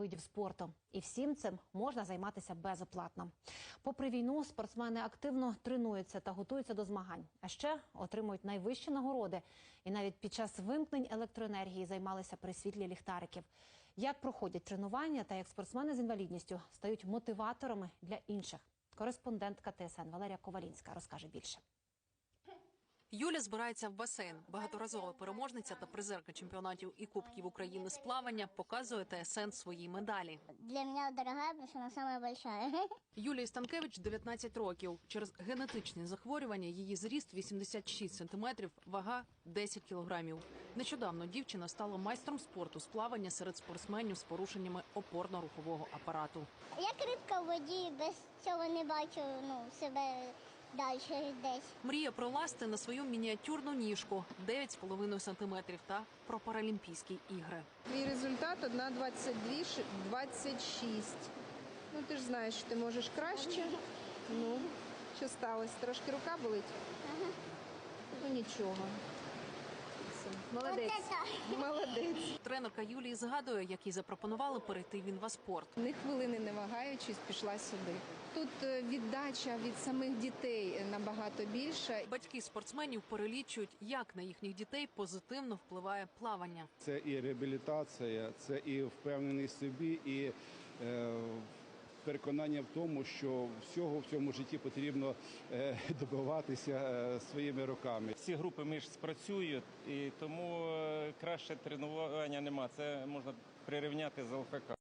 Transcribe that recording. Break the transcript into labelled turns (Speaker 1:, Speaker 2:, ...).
Speaker 1: видів спорту. І всім цим можна займатися безоплатно. Попри війну, спортсмени активно тренуються та готуються до змагань. А ще отримують найвищі нагороди. І навіть під час вимкнень електроенергії займалися при світлі ліхтариків. Як проходять тренування та як спортсмени з інвалідністю стають мотиваторами для інших. Кореспондентка ТСН Валерія Ковалінська розкаже більше.
Speaker 2: Юля збирається в басейн. Багаторазова переможниця та призерка чемпіонатів і кубків України з плавання показує ТСН свої медалі.
Speaker 3: Для меня дорогая, потому что она самая большая.
Speaker 2: Юлії Станкевич 19 років. Через генетичні захворювання її зріст 86 сантиметрів, вага 10 кілограмів. Нещодавно дівчина стала майстром спорту з плавання серед спортсменів з порушеннями опорно-рухового апарату.
Speaker 3: Як рибка в воді, без цього не бачу себе далі десь.
Speaker 2: Мріє пролазити на свою мініатюрну ніжку 9,5 сантиметрів та про Паралімпійські ігри.
Speaker 4: Твій результат 1,22,26. Ну, ти ж знаєш, що ти можеш краще. Ну, що сталося? Трошки рука болить?
Speaker 3: Ага.
Speaker 4: Ну, нічого. Все. Молодець. Молодець.
Speaker 2: Тренерка Юлії згадує, як їй запропонували перейти в інваспорт.
Speaker 4: Ні хвилини не вагаючись, пішла сюди. Тут віддача від самих дітей набагато більша.
Speaker 2: Батьки спортсменів перелічують, як на їхніх дітей позитивно впливає плавання.
Speaker 5: Це і реабілітація, це і впевненість в собі, і переконання в тому, що всього в цьому житті потрібно добиватися своїми руками.
Speaker 6: Всі групи мишць працюють, і тому краще тренування нема. Це можна прирівняти з ЛФК.